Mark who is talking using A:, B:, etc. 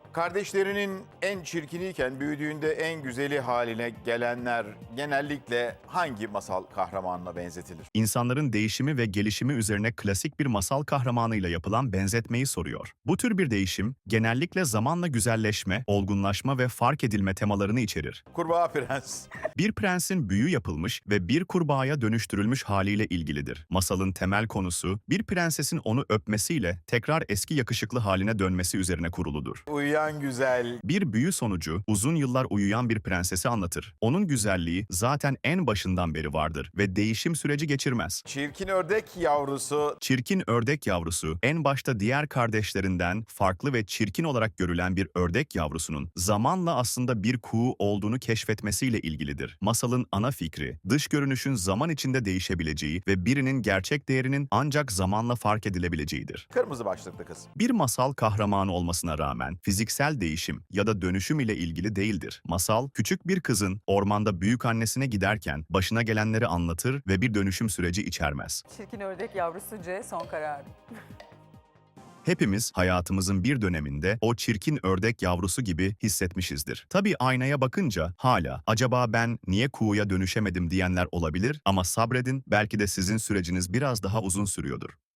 A: Kardeşlerinin en çirkiniyken büyüdüğünde en güzeli haline gelenler genellikle hangi masal kahramanına benzetilir?
B: İnsanların değişimi ve gelişimi üzerine klasik bir masal kahramanıyla yapılan benzetmeyi soruyor. Bu tür bir değişim genellikle zamanla güzelleşme, olgunlaşma ve fark edilme temalarını içerir.
A: Kurbağa Prens.
B: Bir prensin büyü yapılmış ve bir kurbağaya dönüştürülmüş haliyle ilgilidir. Masalın temel konusu, bir prensesin onu öpmesiyle tekrar eski yakışıklı haline dönmesi üzerine kuruludur.
A: Uyuyan Güzel.
B: Bir büyü sonucu uzun yıllar uyuyan bir prensesi anlatır. Onun güzelliği zaten en başından beri vardır ve değişim süreci geçirmez.
A: Çirkin Ördek Yavrusu.
B: Çirkin ördek yavrusu, en başta diğer kardeşlerinden farklı ve çirkin olarak görülen bir ördek yavrusunun zamanla aslında bir kuğu olduğunu keşfetmesiyle ilgilidir. Masalın ana fikri, dış görünüşün zaman içinde değişebileceği ve birinin gerçek değerinin ancak zamanla fark edilebileceğidir.
A: Kırmızı Başlıklı Kız.
B: Bir masal kahramanı olmasına rağmen fiziksel değişim ya da dönüşüm ile ilgili değildir. Masal, küçük bir kızın ormanda büyükannesine giderken başına gelenleri anlatır ve bir dönüşüm süreci içermez.
C: Çirkin ördek yavrusu C son kararı.
B: Hepimiz hayatımızın bir döneminde o çirkin ördek yavrusu gibi hissetmişizdir. Tabii aynaya bakınca hala acaba ben niye kuğuya dönüşemedim diyenler olabilir ama sabredin, belki de sizin süreciniz biraz daha uzun sürüyordur.